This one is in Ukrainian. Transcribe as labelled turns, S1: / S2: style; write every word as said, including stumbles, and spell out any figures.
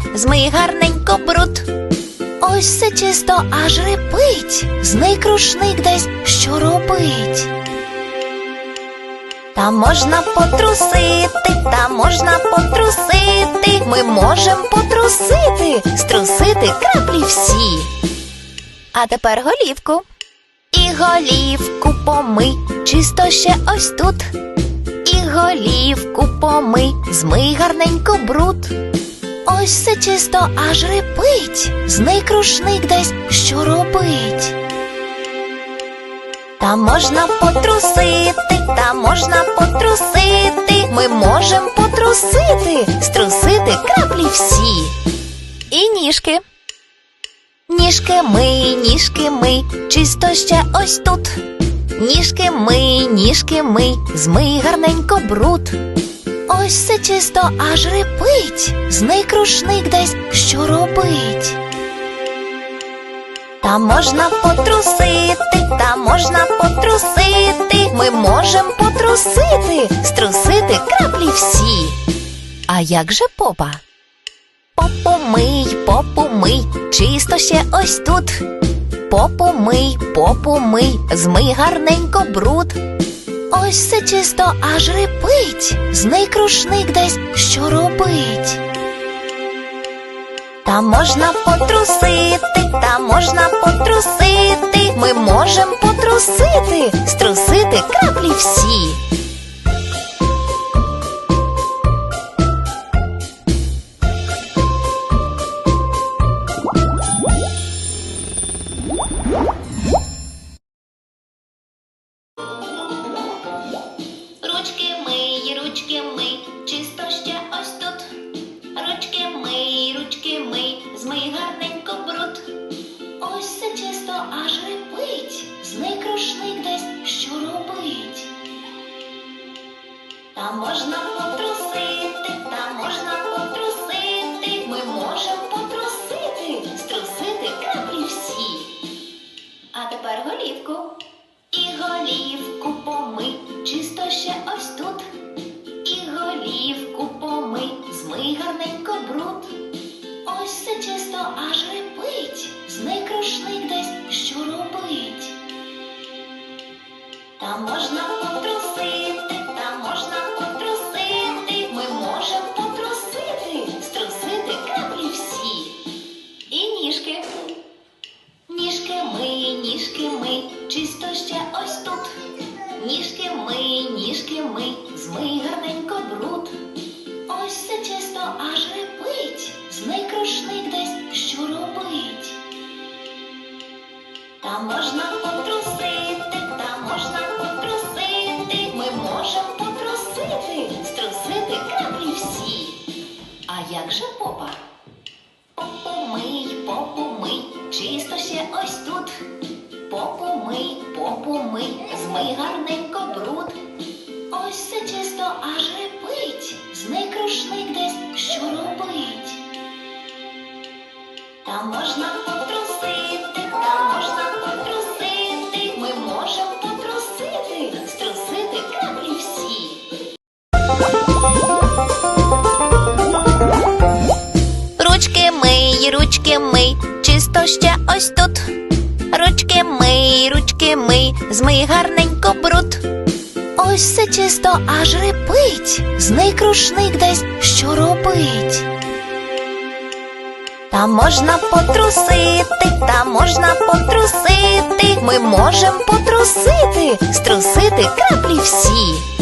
S1: змий гарненько бруд. Ось все чисто аж репить, зний крушник десь що робить. Та можна потрусити, та можна потрусити, ми можем потрусити, струсити краплі всі. А тепер голівку. І голівку помий, чисто ще ось тут. І голівку помий, змий гарненько бруд. Ось все чисто аж репить, зний крушник десь що робить. Та можна потрусити, та можна потрусити, ми можем потрусити, струсити краплі всі. І ніжки. Ніжки мий, ніжки мий, чисто ще ось тут. Ніжки мий, ніжки мий, змий гарненько бруд. Ось все чисто аж репить, зний крушник десь що робить. Та можна потрусити, та можна потрусити, ми можем потрусити, струсити краплі всі. А як же попа? Попу мий, попу мий, чисто ще ось тут. Попу мий, попу мий, змий гарненько бруд. Ось все чисто аж репить, зний крушник десь що робить. Та можна потрусити, та можна потрусити, ми можем потрусити, струсити краплі всі.
S2: Ручки мий, ручки мий, чисто ще ось тут. Ручки мий, ручки мий, змий гарненько бруд. Ось все чисто аж репить, зний крушник десь що робить. Та можна потрусити, та можна потрусити, ми можем потрусити, струсити краплі всі. А тепер голівку. І голівку помий, чисто ще ось тут. І голівку помий, змий гарненько бруд. Ось все чисто аж репить, зний крушник десь що робить. Та можна потрусити, та можна потрусити, ми можем потрусити, струсити краплі всі. І ніжки. Ніжки мий, ніжки мий, чисто ще ось тут. Ніжки мий, ніжки мий, змий гарненько бруд. Ось все чисто аж репить, зний крушник десь що робить. Та можна потрусити, та можна потрусити, ми можем потрусити, струсити краплі всі. А як же попа? Попу мий, попу мий, чисто ще ось тут. Попу мий, попу мий, змий гарненько бруд. Ось все чисто аж репить, зний крушник десь що робить. Та можна потрусити, та можна потрусити, ми можем потрусити, струсити краплі всі.
S1: Ручки мий, ручки мий, чисто ще ось тут. Ручки мий, ручки мий, змий гарненько бруд. Ось все чисто аж репить, зний крушник десь що робить. Та можна потрусити, та можна потрусити, ми можем потрусити, струсити краплі всі.